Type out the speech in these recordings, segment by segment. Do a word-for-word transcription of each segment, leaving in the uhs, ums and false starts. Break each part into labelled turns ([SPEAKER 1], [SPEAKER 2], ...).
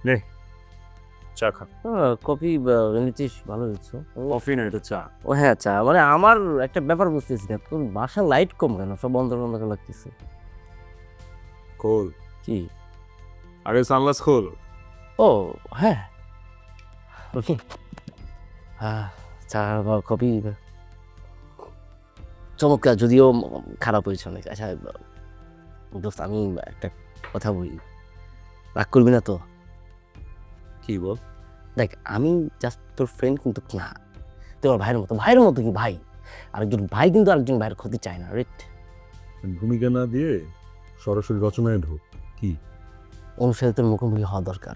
[SPEAKER 1] নে চা খা।
[SPEAKER 2] কফি নিতিস ভালো হচ্ছে।
[SPEAKER 1] কফি না, এটা চা।
[SPEAKER 2] ও হ্যাঁ, চা মানে আমার একটা ব্যাপার বুঝতেছি না, তোর বাসার লাইট কম কেন, সব বন্ধ বন্ধ করে লাগতেছে।
[SPEAKER 1] খোল
[SPEAKER 2] কি?
[SPEAKER 1] আগে সানগ্লাস খোল।
[SPEAKER 2] ও হ্যাঁ, হ্যাঁ, চা বা কফি চমৎকার, যদিও খারাপ হয়েছে অনেক। আচ্ছা দোস্ত, আমি একটা কথা বলি, রাগ করবি না তো?
[SPEAKER 1] কি বল?
[SPEAKER 2] দেখ, আমি জাস্ট তোর ফ্রেন্ড কিন্তু না, তুই আমার ভাইয়ের মতো। ভাইয়ের মতো কি ভাই, আরেকজন ভাই কিন্তু আরেকজন ভাইয়ের ক্ষতি চায় না, রেট।
[SPEAKER 1] ভূমিকা না দিয়ে সরাসরি রচনায় ঢোক। কি
[SPEAKER 2] অনুসারে তোর মুখোমুখি হওয়া দরকার।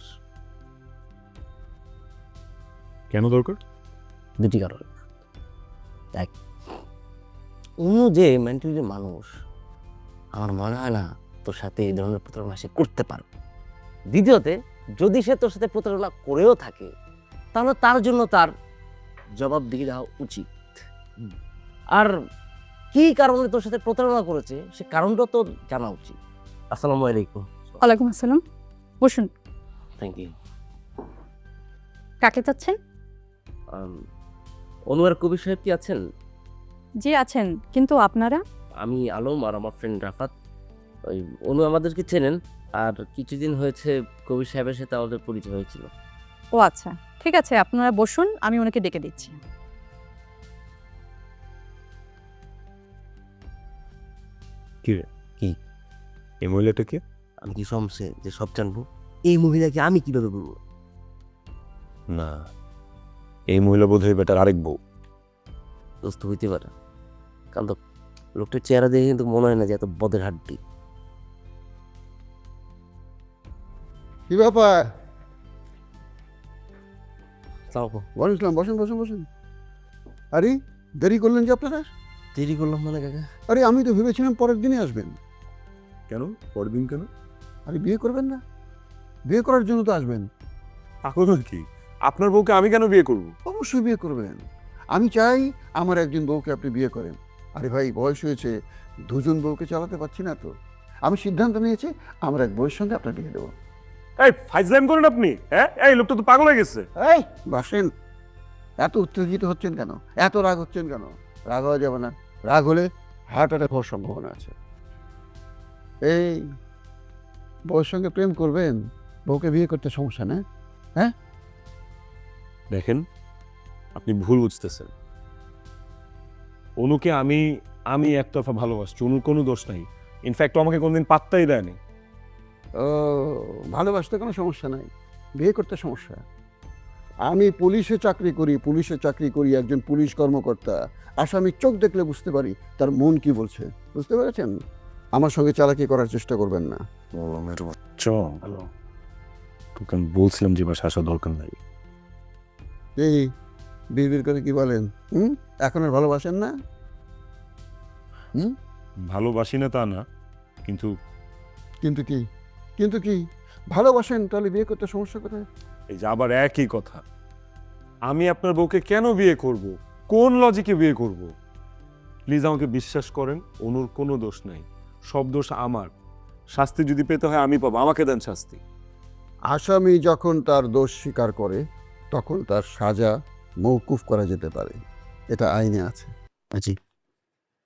[SPEAKER 1] কেন দরকার?
[SPEAKER 2] দুটি কারণ। দেখ, অনু যে মেন্টালি মানুষ, আমার মনে হয় না তোর সাথে এই ধরনের প্রতারণা সে করতে পারবে। দ্বিতীয়তে, যদি সে তোর সাথে প্রতারণা করেও থাকে, তাহলে তার জন্য তার জবাবদিহি দেওয়া উচিত। আর কি কারণে তোর সাথে প্রতারণা করেছে সে কারণটা তো জানা উচিত। আসসালামু আলাইকুম।
[SPEAKER 3] ওয়ালাইকুম আসসালাম, বসুন।
[SPEAKER 2] Thank you.
[SPEAKER 3] কাকে চাচ্ছেন?
[SPEAKER 2] অনু আর কবির সাহেব কি আছেন?
[SPEAKER 3] জি আছেন, কিন্তু আপনারা?
[SPEAKER 2] আমি আলম আর আমার ফ্রেন্ড রাফাত। ওই অনু আমাদেরকে চেনেন, আর কিছুদিন হয়েছে কবির সাহেবের সাথে আমাদের পরিচয় হয়েছিল।
[SPEAKER 3] ও আচ্ছা, ঠিক আছে, আপনারা বসুন, আমি ওনাকে ডেকে দিচ্ছি।
[SPEAKER 1] কি রে?
[SPEAKER 2] কি?
[SPEAKER 1] এই মহিলাটা কে?
[SPEAKER 2] আমি কি সমসে যে সব জানবো? এই মহিলাকে আমি কিভাবে বলবো?
[SPEAKER 1] না, এই মহিলা বোধ হয় বেটার আরেক বউ।
[SPEAKER 2] দোস্ত হইতে পারে, কারণ তো লোকটার চেহারা দেখে কিন্তু মনে হয় না যে এত বদের হাড্ডি।
[SPEAKER 4] কি ব্যাপার?
[SPEAKER 2] তাও
[SPEAKER 4] বসলাম, বসুন বসুন বসুন। আরে দেরি করলেন যে আপনারা?
[SPEAKER 2] দেরি করলাম মানে কাকা?
[SPEAKER 4] আরে আমি তো ভেবেছিলাম পরের দিনে আসবেন।
[SPEAKER 1] কেন পরের দিন কেন?
[SPEAKER 4] আরে বিয়ে করবেন না? বিয়ে করার জন্য তো আসবেন।
[SPEAKER 1] পাগল কি? আপনার বউকে আমি কেন বিয়ে করব?
[SPEAKER 4] অবশ্যই বিয়ে করবেন। আমি চাই আমার একজন বউকে আপনি বিয়ে করেন। আরে ভাই, বয়স হয়েছে, দুজন বউকে চালাতে পারছি না তো। আমি সিদ্ধান্ত নিয়েছি আমার এক বউয়ের সঙ্গে আপনার বিয়ে দেবো।
[SPEAKER 1] এই ফাইজলাম করেন আপনি? হ্যাঁ, এই লোকটা তো পাগল হয়ে গেছে।
[SPEAKER 4] এই বাসেন, এত উত্তেজিত হচ্ছেন কেন? এত রাগ হচ্ছেন কেন? রাগ হওয়া যাবে না। রাগ হলে হার্ট অ্যাটাক হওয়ার সম্ভাবনা আছে। এই বউয়ের সঙ্গে প্রেম করবেন, বউকে বিয়ে করতে সমস্যা না? হ্যাঁ,
[SPEAKER 1] দেখেন, আপনি ভুল বুঝতেছেন। অনুকে আমি আমি একতরফা ভালোবাসছি, অনুর কোনো দোষ নাই। ইনফ্যাক্ট আমাকে কোনোদিন পাত্তাই দেয়নি।
[SPEAKER 4] ও ভালোবাসতে কোনো সমস্যা নাই, বিয়ে করতে সমস্যা। আমি পুলিশে চাকরি করি, পুলিশে চাকরি করি, একজন পুলিশ কর্মকর্তা। আসামি চোখ দেখলে বুঝতে পারি তার মন কি বলছে। বুঝতে পেরেছেন? আমার সঙ্গে চালাকি করার চেষ্টা করবেন না।
[SPEAKER 1] মেয়ের বাচ্চা, ভালো তোকে আমি বলছিলাম যে বাসা আসা দরকার নাই।
[SPEAKER 4] এই বিড়বিড় করে কি বলেন? হুম, এখন আর ভালোবাসেন না? হুম,
[SPEAKER 1] ভালোবাসি না তা না, কিন্তু
[SPEAKER 4] কিন্তু কি? কিন্তু কি? ভালোবাসেন তাহলে বিয়ে করতে সমস্যা কোথায়?
[SPEAKER 1] এই যে আবার একই কথা। আমি আপনার বউকে কেন বিয়ে করব? কোন লজিকে বিয়ে করব? প্লিজ আমাকে বিশ্বাস করেন, অনুর কোনো দোষ নাই, সব দোষ আমার। শাস্তি যদি পেতে হয় আমি পাবো, আমাকে দেন শাস্তি।
[SPEAKER 4] আসামি যখন তার দোষ স্বীকার করে তখন তার সাজা মওকুফ করা যেতে পারে, এটা আইনে আছে। জি।